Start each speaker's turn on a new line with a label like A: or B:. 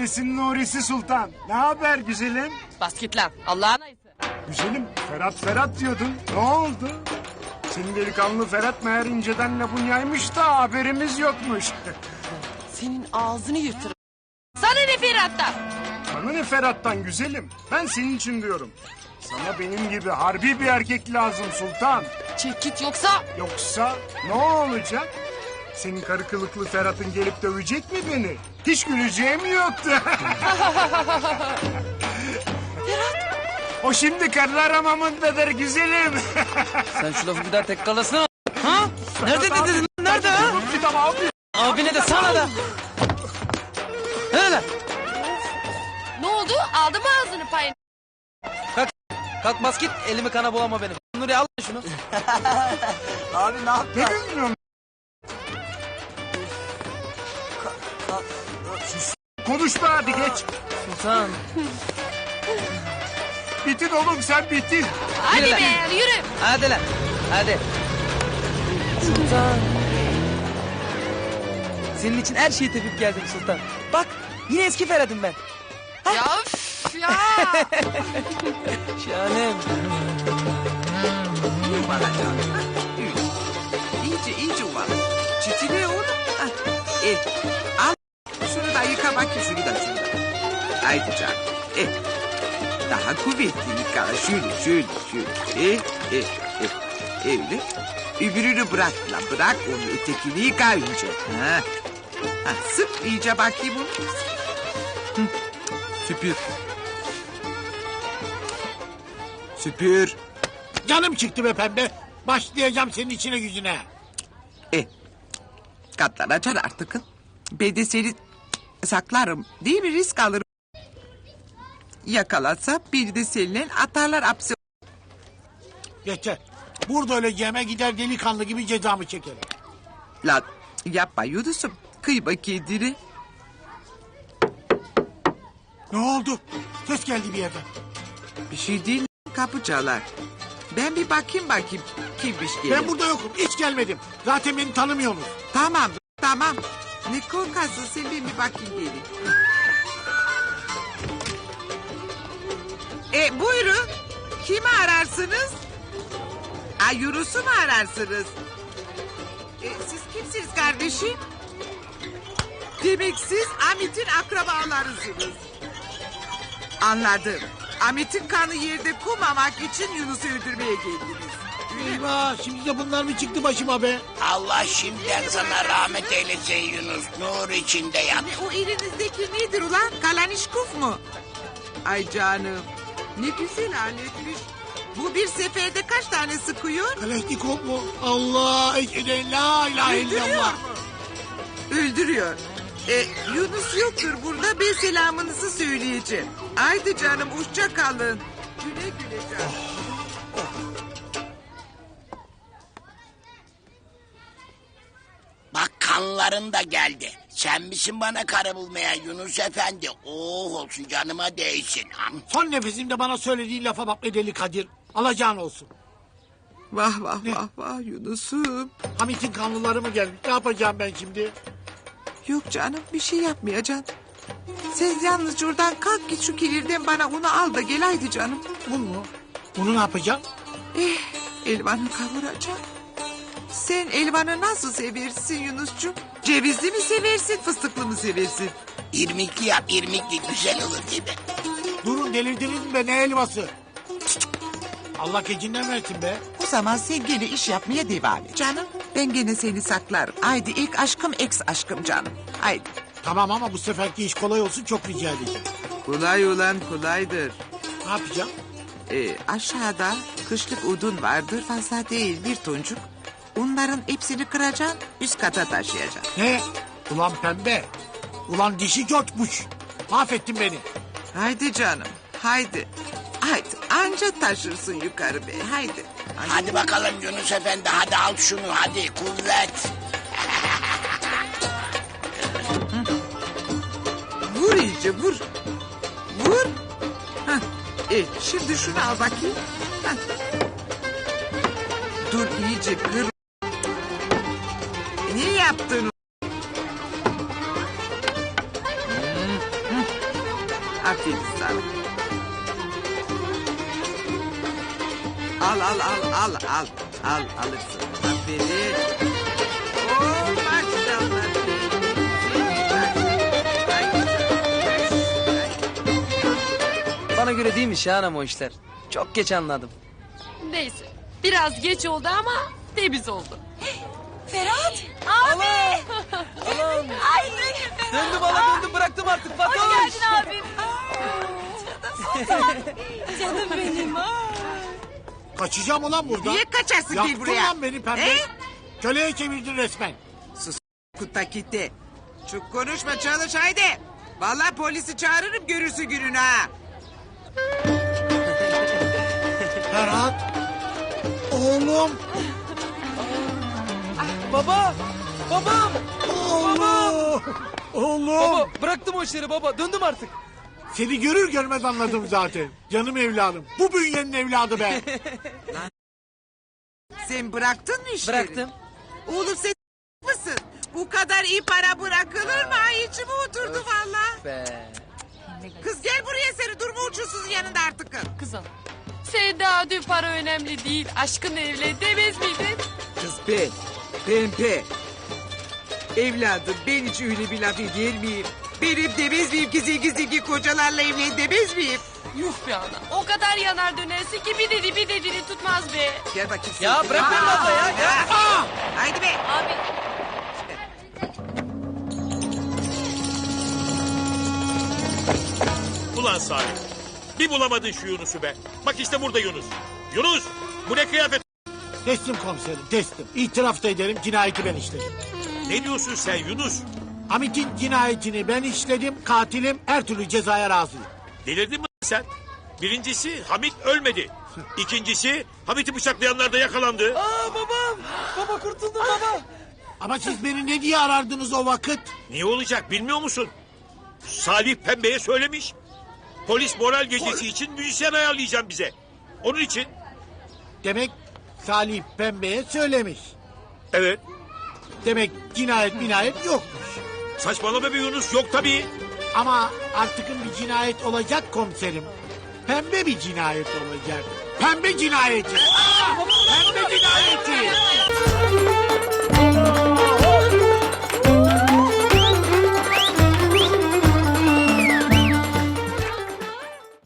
A: Paris'in Nuri'si Sultan. Ne haber güzelim?
B: Bas git lan Allah'ın ayısı.
A: Güzelim Ferhat diyordun. Ne oldu? Senin delikanlı Ferhat meğer inceden lafın yaymış da haberimiz yokmuş.
B: Senin ağzını yırtırım. Sana ne Ferhat'tan?
A: Bana ne Ferhat'tan güzelim? Ben senin için diyorum. Sana benim gibi harbi bir erkek lazım Sultan.
B: Çek git yoksa...
A: Yoksa ne olacak? Senin karı kılıklı Ferhat'ın gelip dövecek mi beni? Hiç güleceğim yoktu. O şimdi karılar hamamındadır güzelim.
C: Sen şu lafı bir daha tekrarlasana. Ha? Nerede dedin lan? Nerede ha?
A: Tamam abi.
C: Abine de sana da. Nerede?
B: Ne oldu? Aldı mı ağzını payını?
C: Kalk bas git. Elimi kana bulama benim. Nuri al şunu.
D: Abi ne yaptın?
A: Ne bilmiyorum. Konuşma hadi geç.
C: Sultan.
A: Bitin oğlum sen bitin.
B: Hadi
C: Yürü lan.
B: be yürü.
C: Hadi lan. Hadi. Sultan. Senin için her şeyi tepip geldim Sultan. Bak yine eski Ferhat'ım ben.
B: Ya üf ya.
C: Şahanem.
D: Yuvala canım. Ha, öyle. İyice yuvala. Çitile oğlum. Ha, al. Şunu da yıka bakayım şunu da. Haydi canım. Daha kuvvetli yıka. Şöyle. Öyle. Öbürünü bırak lan. Bırak onu. Ötekini yıka önce. Ha, sık iyice bakayım onu. Süpür.
E: Canım çıktı be pembe. Başlayacağım senin içine gücüne.
D: Katlanacaksın artık. Ben de seni saklarım. Değil mi? Risk alırım. Yakalatsa bir de seninle atarlar hapse.
E: Yeter. Burada öleceğime gider delikanlı gibi cezamı çekerim.
D: Lan yapma Yunus'um. Kıyma kendini.
E: Ne oldu? Ses geldi bir yerden.
D: Bir şey değil. Kapı çalar. Ben bir bakayım kimmiş gelir.
E: Ben burada yokum. Hiç gelmedim. Zaten beni tanımıyorsunuz.
D: Tamam. Ne korkarsın sen bir bakayım gelin. Buyurun. Kimi ararsınız? Yunus'u mu ararsınız? Siz kimsiniz kardeşim? Demek siz Amit'in akrabalarısınız. Anladım. Amit'in kanı yerde kumamak için Yunus'u öldürmeye geldiniz.
E: Eyvah şimdi de bunlar mı çıktı başıma be?
F: Allah şimdiden sana rahmet eylesin Yunus. Nur içinde yat.
D: O elinizdeki nedir ulan? Kalanişkuf mu? Ay canım. Ne güzel aletmiş. Bu bir seferde kaç tane sıkıyor?
E: Kalashnikov mu? Allah eşheden la ilahe
D: Öldürüyor
E: illallah.
D: mu? Öldürüyor. Yunus yoktur burada. Ben selamınızı söyleyeceğim. Haydi canım hoşça kalın. Güle canım.
F: Bak kanların da geldi. Sen misin bana karı bulmaya Yunus Efendi? Oh olsun canıma değsin.
E: Son nefesimde bana söylediğin lafa bak be deli Kadir. Alacağın olsun.
D: Vah
E: Ne?
D: Yunus'um.
E: Hamit'in kanlıları mı gelmiş? Ne yapacağım ben şimdi?
D: Yok canım bir şey yapmayacaksın. Sen yalnız oradan kalk git şu kilirden bana onu al da gel haydi canım.
E: Un mu? Bunu ne yapacağım?
D: Elvanı kavuracağım. Sen elvanı nasıl seversin Yunus'cum? Cevizli mi seversin fıstıklı mı seversin?
F: İrmikli yap irmikli güzel olur gibi.
E: Durun delirdiniz mi be ne elması? Allah gecinden versin be.
D: O zaman sen gene iş yapmaya devam et. Canım ben gene seni saklarım. Haydi ilk aşkım ex aşkım canım. Haydi.
E: Tamam ama bu seferki iş kolay olsun çok rica edeceğim.
D: Kolay olan kolaydır.
E: Ne yapacağım?
D: Aşağıda kışlık odun vardır fazla değil bir toncuk. Onların hepsini kıracaksın üst kata taşıyacaksın.
E: Ne? Ulan pembe. Ulan dişi coçmuş. Mahvettin beni.
D: Haydi canım haydi. Haydi anca taşırsın yukarı be haydi.
F: Hadi bakalım Yunus Efendi hadi al şunu hadi kuvvet.
D: Vur iyice vur. Vur. Hah. Şimdi şunu al bakayım. Hah. Dur iyice kır. Ne yaptın? Aferin sana. Al. Al alırsın. Aferin. Oo maşallah.
C: Bana göre değilmiş ya anam o işler. Çok geç anladım.
B: Neyse. Biraz geç oldu ama temiz oldu.
C: Allah'ım. Döndüm hala döndüm bıraktım artık Fatoş.
B: abim.
E: Kaçacağım ulan buradan.
D: Niye kaçarsın gel
E: Yaktın
D: buraya?
E: lan beni pembe. Köleye çevirdin resmen.
D: Kutakitti. Çok konuşma çalış haydi. Vallahi polisi çağırırım görürsün gününü ha.
E: Ferhat. Oğlum.
C: Baba. Babam.
E: Oğlum. Oğlum.
C: Baba bıraktım o işleri baba. Döndüm artık.
E: Seni görür görmez anladım zaten. Canım evladım. Bu bünyenin evladı be.
D: Sen bıraktın mı işleri?
C: Bıraktım.
D: Oğlum sen mısın? Bu kadar iyi para bırakılır mı? Ay içime oturdu valla.
C: Be.
D: Kız gel buraya seni durma uçursuzun yanında artık.
B: Kızım. Sen daha dün para önemli değil. Aşkınla evlen demez miydin?
D: Kız be. Pembe. Evladım ben hiç öyle bir laf eder miyim? Benim demez miyim ki zengin kocalarla evlen demez miyim?
B: Yuh be ana. O kadar yanar dönersin ki bir dediğini tutmaz be.
D: Gel bakayım.
C: Ya
D: sen.
C: bırak beni abla ya.
D: Haydi be.
B: Abi.
G: Ulan Salih. Bir bulamadın şu Yunus'u be. Bak işte burada Yunus. Yunus bu ne kıyafet?
E: Teslim komiserim teslim. İtiraf da ederim cinayeti ben işledim.
G: Ne diyorsun sen Yunus?
E: Hamit'in cinayetini ben işledim. Katilim her türlü cezaya razıyım.
G: Delirdin mi sen? Birincisi Hamit ölmedi. İkincisi Hamit'i bıçaklayanlar da yakalandı.
C: Aa babam. Baba kurtuldum baba.
E: Ama siz beni ne diye arardınız o vakit?
G: Niye olacak bilmiyor musun? Salih Pembe'ye söylemiş. Polis moral gecesi için müzisyen ayarlayacağım bize. Onun için
E: Demek Salih Pembe'ye söylemiş.
G: evet.
E: Demek cinayet yokmuş.
G: Saçmalama be Yunus yok tabii.
E: Ama artıkın bir cinayet olacak komiserim. Pembe bir cinayet olacak. Pembe cinayeti. Pembe cinayeti.